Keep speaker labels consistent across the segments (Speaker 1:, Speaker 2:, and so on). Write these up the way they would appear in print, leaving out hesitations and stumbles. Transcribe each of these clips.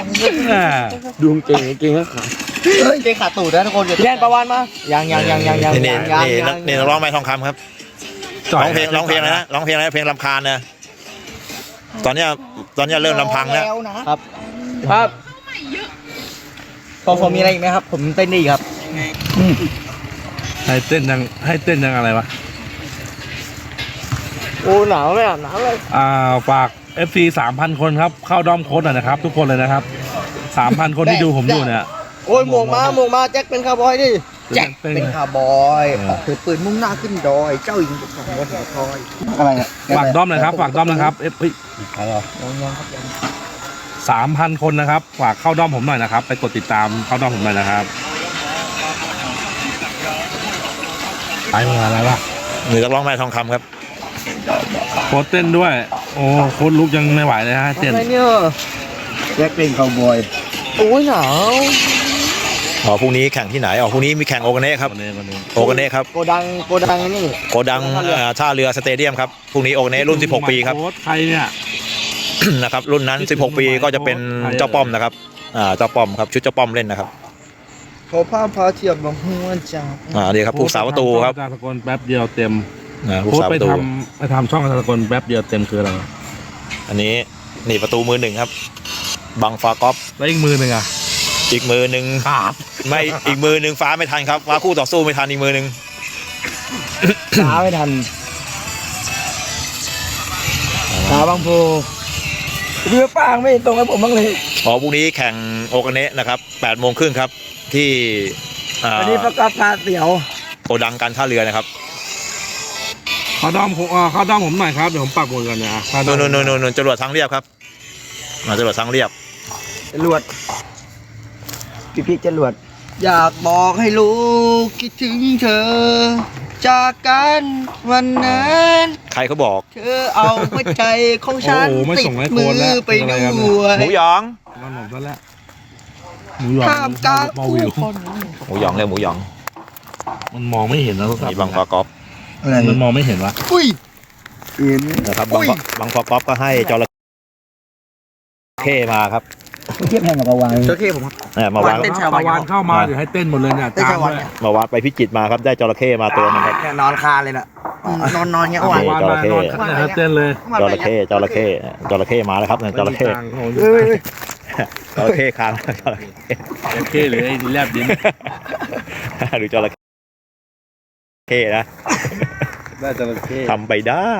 Speaker 1: ดูเก่งก็ขาดเก่งขาดตูดนะทุกคนแย่นประวันมายัง
Speaker 2: นี่ร้องไม้ทองคำครับร้องเพลงอะไรนะร้องเพลงอะไรเพลงรำคาญนะตอนนี้เริ่มลำพังแล้ว
Speaker 1: ครับพอมีอะไรอีกไหมครับผมเต้นดีครับ
Speaker 3: ให้เต้นยังอะไรวะ
Speaker 1: โอ้หนาวไหมอ่ะหนาวเลย
Speaker 3: ฝาก FC 3,000 คนครับเข้าด้อมโค้ดหน่อยนะครับทุกคนเลยนะครับ 3,000 คนที่ดูผมอยู่เนี่ย
Speaker 1: โอ้ยหมวกมาแจ็คเป็นคาร์บอยดิแจ็คเป็นคาร์บอยถือปืนมุ่งหน้าขึ้นดอยเจ้าหญิงของบนหัวทอยอะไรอ่ะ
Speaker 3: ฝากด้อมนะครับใครอ่ะ3,000 คนนะครับฝากเข้าด้อมผมหน่อยนะครับไปกดติดตามเข้าด้อมผมหน่อยนะครับไปมาอะไรวะ
Speaker 2: หรือจะร้องไม้ทองคำครับ
Speaker 3: โค้ดเต้นด้วยโอ้โค้ดลุกยังไม่ไหวเลยฮะเต้น
Speaker 1: อะไรเนี่ยแจ็คเป็นคาร์บอยโอ้ยหนาว
Speaker 2: พรุ่งนี้แข่งที่ไหนพรุ่งนี้มีแข่งโอเกเน่ครับโอเกเน่ครับ
Speaker 1: โกดังนี่
Speaker 2: โกดังท่าเรือสเตเดียมครับพรุ่งนี้โอเกเน่รุ่น16 ปีครับ
Speaker 3: ใครเนี่ย
Speaker 2: นะครับรุ่นนั้น16 ปีก็จะเป็นเจ้าป้อมนะครับเจ้าป้อมครับชุดเจ้าป้อมเล่นนะครับ
Speaker 1: ขอพาเทียบบังหัวจ่า
Speaker 2: ดีครับผู้สาวประตูครับ
Speaker 3: ตะกนแป๊บเดียวเต็มโค้ดไปทำช่องตะกนแป๊บเดียวเต็มคืออะไร
Speaker 2: อันนี้นี่ประตูมือ 1ครับบังฟากอฟ
Speaker 3: แล้วอีกมือหนึ่งอ่ะ
Speaker 2: อีกมือหนึ่งไม่อีกมือหนึ่งฟ้าไม่ทันครับฟ้าคู่ต่อสู้ไม่ทันอีกมือหนึ่ง
Speaker 1: ฟ้าไม่ทันฟ้าบางโพเรือป้างไม่ตรงกับผมบ้างเลย
Speaker 2: พรุ่งนี้แข่งโอเกเนะนะครับ8:30ครับที่
Speaker 1: วันนี้ประกาศพาเสี่ยว
Speaker 2: โกดังการท่าเรือนะครับ
Speaker 3: เข้าด้อมผมหน่อยครับเดี๋ยวผมปักหมุดกันนะ
Speaker 2: นจรวดทางเรียบครับจรวดทางเรียบ
Speaker 1: จรวดพี่จรวดอยากบอกให้ลูกคิดถึงเธอจากกันวันนั้น
Speaker 2: ใครเขาบอก
Speaker 1: เธอเอาหัวใจของฉันติดมือไปด้วย
Speaker 2: หมูหยอง
Speaker 3: นอนหนซะแล้วหมูหยอง
Speaker 1: ข้ามกลาง
Speaker 2: หมูหยองเลยหมูหยอง
Speaker 3: มันมองไม่เห็นนะ
Speaker 2: มีบังฟากอฟ
Speaker 3: มันมองไม่เห็นวะ
Speaker 1: เห็น
Speaker 2: นะครับบังฟากอฟก็ให้จระเข้มาครับ
Speaker 1: เทียบแพงกับปาวานจระเข้ผม
Speaker 2: มาวาน
Speaker 3: ปาวานเข้ามาเดี๋ยวให้เต้นหมดเลยเนี่ย
Speaker 1: ตาม
Speaker 2: มาวานไปพิจิตรมาครับได้จระเข้มาตัวนึงครับ
Speaker 1: นอนคาเลยน่ะนอนเงี้ย
Speaker 3: วานจระเข้เต้นเลย
Speaker 2: จระเข้มาแล้วครับจระเข้คาง
Speaker 3: จระเข้หรือไอ้แลบดิน
Speaker 2: หรือจระเข้นะ
Speaker 3: ได้จระเข้
Speaker 2: ทำไปได้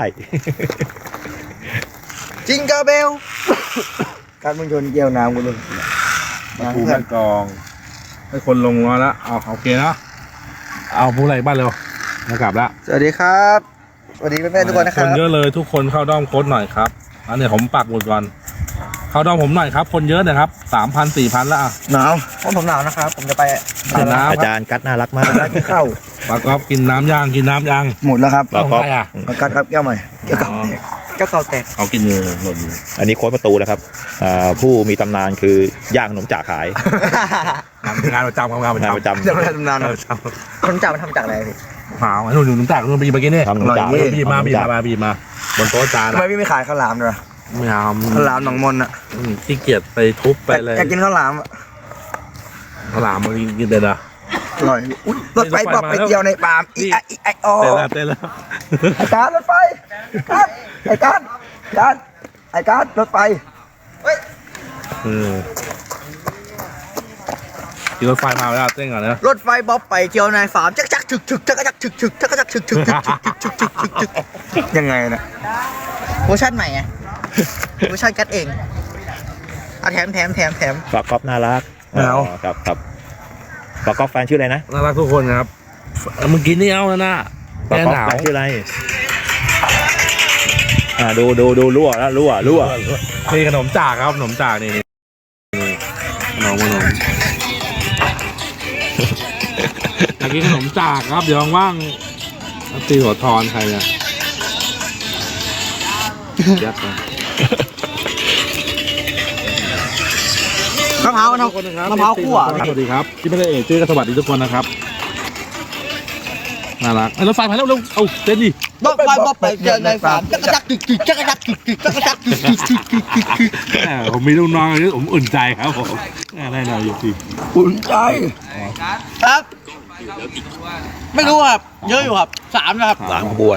Speaker 1: จิงกาเบลการมึงชนเกี่ยวน้ำกูเลย
Speaker 3: ผู้แม่กองให้คนลงมาแล้วโอเคนะเอาผู้ไรบ้านเร็วมากลับแล้ว
Speaker 1: สวัสดีครับสวัสดีแม่ทุกคนนะครับ
Speaker 3: คนเยอะเลยทุกคนเข้าด้อมโค้ดหน่อยครับอันนี้ผมปักหมุดก่อนเข้าด้อมผมหน่อยครับคนเยอะนะครับ 3,000 4,000แล้ว
Speaker 1: หนาวผมหนาวนะครับผมจะไป
Speaker 2: อาจารย์กัดน่ารักมาก
Speaker 1: กินข้าว
Speaker 3: ปากก๊อฟกินน้ำย่าง
Speaker 1: หมดแล้วครับ
Speaker 2: ปากก๊อฟ
Speaker 1: กัดครับแก้วใหม่แก้วเก่าแตก
Speaker 3: เขากินเงินหมด
Speaker 2: อันนี้โค้ดประตูนะครับผู้มีตำนานคือย่างขนมจ่าขาย
Speaker 3: งานประจำ
Speaker 1: ตำนานขนมจ่ามันทำจากอะไรพี่
Speaker 3: หาวหนุ่มจ่าคุณไปกินเนี่ย
Speaker 2: ทำขนมจ่า
Speaker 3: บีมาบนโต๊ะจาน
Speaker 1: ทำไมพี่ไม่ขายข้าวหลามด้วย
Speaker 3: ไม่เอา
Speaker 1: ข้าวหลามหนองมนอ่ะ
Speaker 3: ขี้เกียจไปทุบไปเลย
Speaker 1: อยากกินข้าวหลาม
Speaker 3: มันกินเด็ดอ่ะ
Speaker 1: อร่อยรถไฟบอกไปเที่ยวในป่าไออ
Speaker 3: เต้นแล้ว
Speaker 1: ไอการรถไฟไอการรถไฟ
Speaker 3: ขี่รถไฟมาแล้วเต้นก่อนนะ
Speaker 1: รถไฟบ๊อบไปเที่ยวในฟาร์มจักฉึกยังไงนะเวอร์ชันใหม่ไงเวอร์ชันกัดเองแถม
Speaker 2: ฝากก๊อฟน่ารักครับฝากก๊อฟแฟนชื่ออะไรนะ
Speaker 3: น่ารักทุกคนครับเมื่อกี้นี่เอาแล้วนะ
Speaker 2: ฝากก๊อฟแฟนชื่ออะไรดูรั่ว
Speaker 3: นี่ขนมจากครับขนมจากนี่ขนมอยากกินขนมจากครับเดี๋ยวว่างตีหัวทอนใครเนี่ยยัดไป
Speaker 1: มะพร้าวคั่ว
Speaker 3: สวัสดีครับที่ไม่ได้ชื่อก็สวัสดีทุกคนนะครับน่ารักรถไฟมาแล้วเร็วเอาเต้นดิ
Speaker 1: บ๊อบไปเจอในฝันจักรจักกึกกึกจักรจักกึกกึกจักรจักกึกกึกกึกกึกกึกกึก
Speaker 3: ผมมีลูกน้องนี่ผมอุ่นใจครับผมได้หน่อยอยู่สิ
Speaker 1: อุ่นใจครับ ไม่รู้ครับเยอะอยู่ครับ3นะครับ
Speaker 2: 3 ขบวน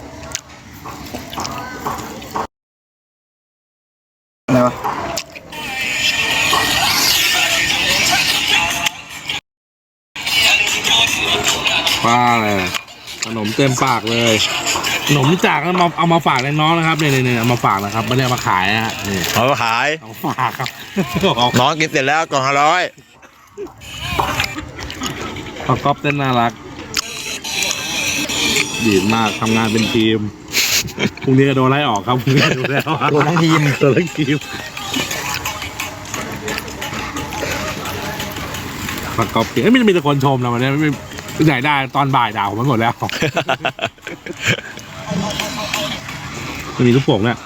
Speaker 1: อะไรวะ
Speaker 3: ป้าเลยขนมเต็มปากเลยขนมจากเอามาฝากน้องนะครับเนี่ยเอามาฝากนะครับไม่ได้เอามาขายนะฮะนี่
Speaker 2: เอาไปขาย
Speaker 3: เอามาฝากครับ
Speaker 2: น้องกินเสร็จแล้วกล่องละ100
Speaker 3: ปากก๊อฟเต้นน่ารักดีมากทำงานเป็นทีมพรุ่งนี้ก็โดนไล่ออกครับพรุ่งนี้โดนแล้ว
Speaker 1: โดนทั้งทีม
Speaker 3: โดนทั้งทีมปากก๊อฟไม่มีแต่คนชมนะวันนี้ไม่ใหญ่ได้ตอนบ่ายด่าผมไปหมดแล้วไม่มีลูกโป่งเนี่ย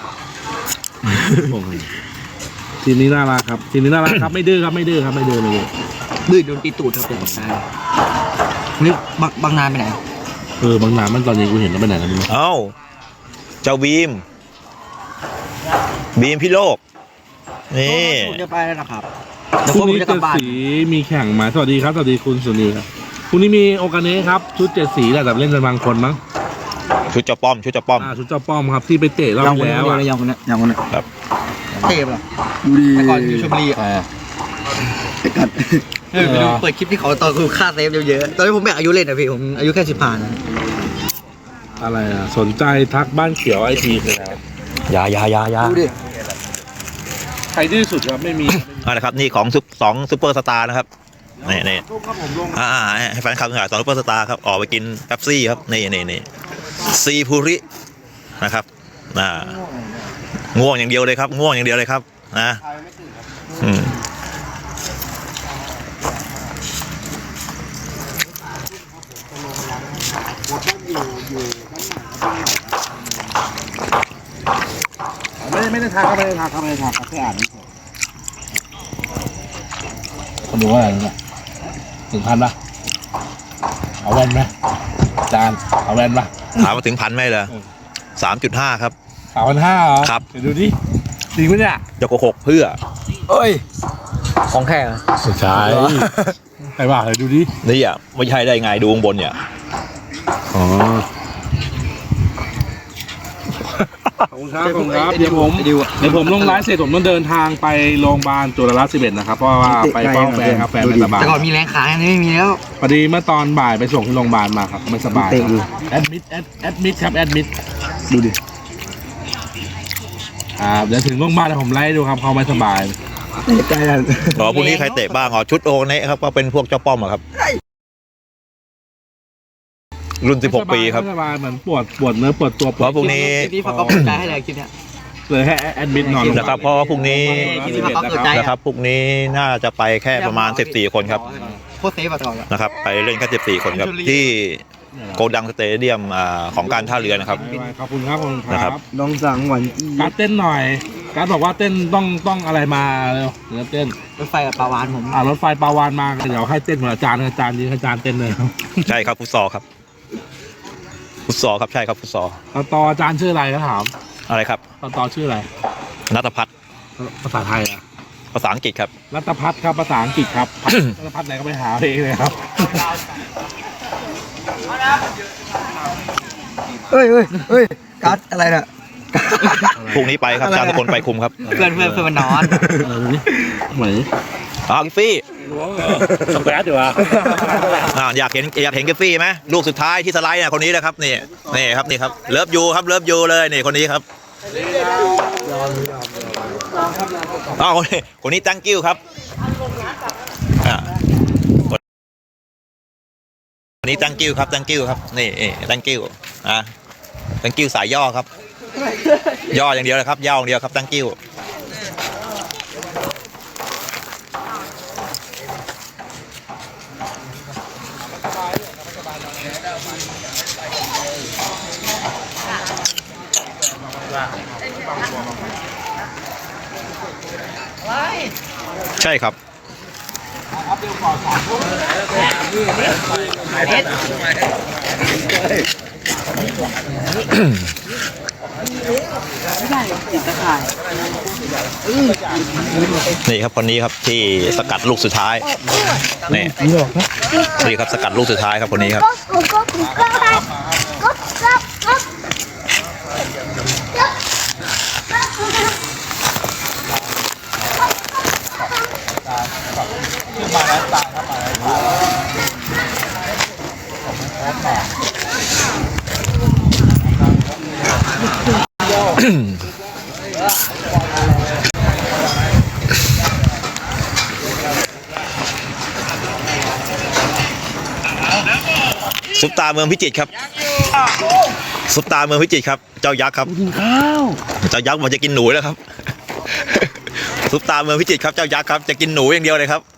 Speaker 3: ทีมนี้น่ารักครับทีมนี้น่ารักครับไม่ดื้อครับไม่ดื้อครับไม่ดื้อเลย
Speaker 1: ดื้อโดนตีตูดครับผมนี่บางนานไปไหน
Speaker 3: บางนามันตอนนี้กูเห็นแล้วไปไหนแล้วมึง
Speaker 2: เอ้าเจ้าบีมพี่โลกนี่
Speaker 1: ผมจะไปแล้วนะครับ
Speaker 3: พรุ่งนี้เจ็ดสีมีแข่งมาสวัสดีครับสวัสดีคุณสุนีครับพรุ่งนี้มีโอกาเน่ครับชุด7 สีแหละแต่เล่นกันบางคนมั้ง
Speaker 2: ชุดเจ้าป้อม
Speaker 3: ชุดเจ้าป้อมครับที่ไปเตะรอบที่แล้วอ่ะ
Speaker 1: ยังคนนี้
Speaker 2: ครับ
Speaker 1: เทพเหรอดูดีแต่ก่อนอยู่ชลบุรีเปิดคลิปที่เขาตอนคือค่าเซฟเยอะๆตอนนี้ผมไม่อายุเล่นนะพี่ผมอายุแค่15นะ
Speaker 3: อะไรอ่ะสนใจทักบ้านเขียวไอทีเลยครับ
Speaker 2: ยา
Speaker 1: ดูดิ
Speaker 3: ใครดื้อสุดครับไม่มี
Speaker 2: นะครับนี่ของ2 ซุปเปอร์สตาร์นะครับนี่ให้แฟนคลับทั้งหลาย2 ซุปเปอร์สตาร์ครับออกไปกินเป๊ปซี่ครับนี่ซีพูรินะครับง่วงอย่างเดียวเลยครับง่วงอย่างเดียวเลยครับนะ
Speaker 3: ไม่ได้ทักครับแค่อ่านเขาดูว่าอะไรเนี่ย1,000ป่ะเอาแว่นไหมจานเอาแว่นป่ะ
Speaker 2: ถามมาถึง1,000ไหมเหรอ3.5 ครับ
Speaker 3: 3,500เหรอ
Speaker 2: ครับ
Speaker 3: เดี๋ยวดูดิจริงไหมเนี่ย
Speaker 2: จะโกหกเพื่อ
Speaker 1: เอ้ยของแข็ง
Speaker 3: ไม่ใช่ใครว่าเดี๋ยวดูดิ
Speaker 2: นี่อ่ะไม่ใช่ได้ไงดูข้างบนเนี่ย
Speaker 3: อ๋อขอบคุณครับเดี๋ยวผมลงไลฟ์เสร็จผมต้องเดินทางไปโรงพยาบาลจุฬาลาภ11นะครับเพราะว่าไปเฝ้าแฟนครับแฟนไม่สบาย
Speaker 1: แต่ก่อนมีแรงขายอันนี้ไม่มีแล้ว
Speaker 3: พอดีเมื่อตอนบ่ายไปส่งที่โรงพยาบาลมาครับไม่สบายแอดมิดครับแอดมิดดูดิเดี๋ยวถึงโรงพยาบาลผมไล่ดูครับเขาไม่สบาย
Speaker 1: ใจอ่ะ
Speaker 2: พรุ่งนี้ใครเตะบ้างอ๋อชุดโอเนะครับก็เป็นพวกเจ้าป้อมอะครับรุ่น16 ปีครับ
Speaker 3: ไม่สบายเหมือนปวดเนื้อปวดตัว
Speaker 2: เพราะพรุ่งนี้
Speaker 1: พี่ฟังเขาเปิดใจให้เลยคลิปเนี้ย
Speaker 3: เลยให้แอดมิดนอน
Speaker 2: นะครับเพราะว่าพรุ่งนี้
Speaker 1: ที่พักเปิดใจ
Speaker 2: นะครับพรุ่งนี้น่าจะไปแค่ประมาณ14 คนครับ
Speaker 1: โคตรเซฟอะตลอด
Speaker 2: นะครับไปเล่นแค่14 คนครับที่โกดังสเตเดียมของการท่าเรือนะครับ
Speaker 3: ขอบคุณครับ
Speaker 2: นะครับ
Speaker 1: น้องสังหวัน
Speaker 3: การเต้นหน่อยการบอกว่าเต้นต้องอะไรมาเร็วเดี๋ยวเต้น
Speaker 1: รถไฟกับปลาวานผม
Speaker 3: รถไฟปลาวานมาเดี๋ยวให้เต้นเหมือนอาจารย์ยืนอาจารย์เต้นเลยครับ
Speaker 2: ใช่ครับฟุตซอลครับฟุตซอลครับใช่ครับฟุตซอล
Speaker 3: ต่ออาจารย์ชื่ออะไรก็ถาม
Speaker 2: อะไรครับ
Speaker 3: ต่อชื่ออะไร
Speaker 2: นัทพัฒน์
Speaker 3: ภาษาไทยอะ
Speaker 2: ภาษาอังกฤษครับ
Speaker 3: รัตพัฒน์ครับภาษาอังกฤษครับ รัตพัฒน์ไหนก็ไปหาเองเลยครับ
Speaker 1: เฮ้ยการ์ดอะไรน่ะ
Speaker 2: พรุ่งนี้ไปครับอาจารย์ทุกคนไปคุมครับ
Speaker 1: เพื่อนมันนอน
Speaker 3: ดูนี่เหมือน
Speaker 2: กิฟฟี่
Speaker 3: สเปซดีวะ
Speaker 2: อยากเห็นกิฟฟี่ไหมลูกสุดท้ายที่สไลด์เนี่ยคนนี้นะครับนี่ครับเลิฟยูครับเลิฟยูเลยนี่คนนี้ครับคนนี้ thank you ครับคนนี้ thank you ครับ thank you ครับนี่thank you thank you สายย่อครับย่ออย่างเดียวเลยครับย่ออย่างเดียวครับ thank you ใช่ครับนี่ครับคนนี้ครับที่สกัดลูกสุดท้ายนี่นี่ครับสกัดลูกสุดท้ายครับคนนี้ครับซุปตาเมืองพิจิตรครับซุปตาเมืองพิจิตรครับเจ้ายักษ์ครับกินข้าวเจ้ายักษ์มันจะกินหนูแล้วครับซุปตาเมืองพิจิตรครับเจ้ายักษ์ครับจะกินหนูอย่างเดียวเลยครับ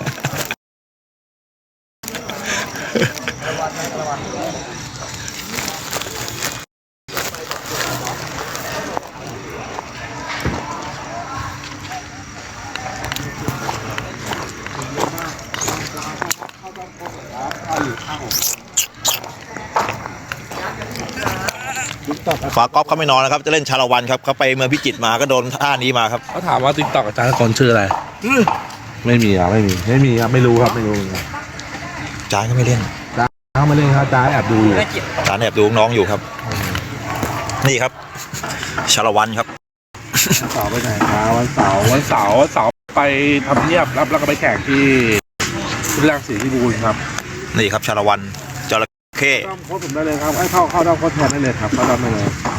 Speaker 2: ฝากอล์ฟเขาไม่นอนนะครับจะเล่นชาละวันครับเขาไปเมืองพิจิตรมาก็โดนท่านี้มาครับ
Speaker 3: เขาถามว่าติ๊กต็อกอาจารย์คนชื่ออะไรไม่มีครับไม่มีครับไม่รู้ครับไม่รู้ครับ
Speaker 2: จานก็ไม่เล่น
Speaker 3: เขามาเล่นครับอาจารย์แอบดูอยู่
Speaker 2: จานแอบดูน้องอยู่ครับ นี่ครับชาละวันครับ
Speaker 3: เสาร์ไปไหนครับวันเสาร์ไปทำเนียบรับแล้วก็ไปแข่งที่รังสีที่บูนครับ
Speaker 2: นี่ครับชาละวันจระเข้
Speaker 3: ต้องโค้ชผมได้เลยครับเข้าได้โค้ชแทนได้เลยครับเข้าได้เลย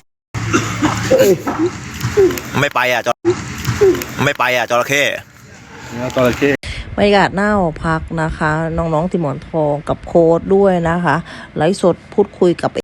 Speaker 2: ไม่ไปอ่ะจระเข้
Speaker 3: เนี่ยจระเข้
Speaker 4: บรรยากาศหน้าหอพักนะคะ น้องๆติหมอนทองกับโค้ดด้วยนะคะไลฟ์สดพูดคุยกับ